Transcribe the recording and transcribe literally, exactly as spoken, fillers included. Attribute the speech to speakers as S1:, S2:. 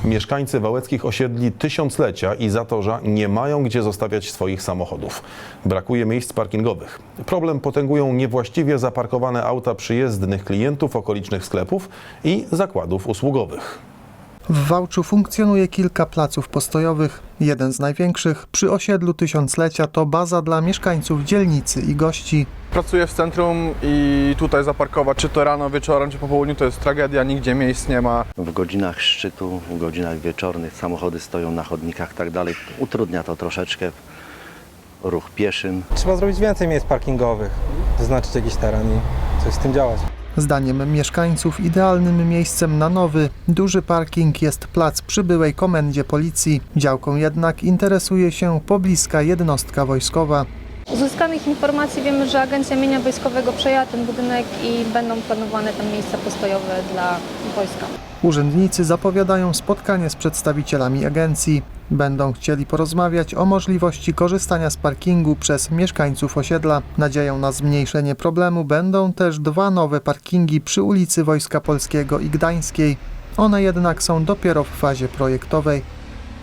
S1: Mieszkańcy wałeckich osiedli Tysiąclecia i Zatorza nie mają gdzie zostawiać swoich samochodów. Brakuje miejsc parkingowych. Problem potęgują niewłaściwie zaparkowane auta przyjezdnych klientów okolicznych sklepów i zakładów usługowych.
S2: W Wałczu funkcjonuje kilka placów postojowych. Jeden z największych przy osiedlu Tysiąclecia to baza dla mieszkańców dzielnicy i gości.
S3: Pracuję w centrum i tutaj zaparkować, czy to rano, wieczorem, czy po południu, to jest tragedia, nigdzie miejsc nie ma.
S4: W godzinach szczytu, w godzinach wieczornych samochody stoją na chodnikach i tak dalej. Utrudnia to troszeczkę ruch pieszym.
S5: Trzeba zrobić więcej miejsc parkingowych, zaznaczyć jakiś teren i coś z tym działać.
S2: Zdaniem mieszkańców idealnym miejscem na nowy, duży parking jest plac przy byłej komendzie policji. Działką jednak interesuje się pobliska jednostka wojskowa.
S6: Z uzyskanych informacji wiemy, że Agencja Mienia Wojskowego przejęła ten budynek i będą planowane tam miejsca postojowe dla wojska.
S2: Urzędnicy zapowiadają spotkanie z przedstawicielami agencji. Będą chcieli porozmawiać o możliwości korzystania z parkingu przez mieszkańców osiedla. Nadzieją na zmniejszenie problemu będą też dwa nowe parkingi przy ulicy Wojska Polskiego i Gdańskiej. One jednak są dopiero w fazie projektowej.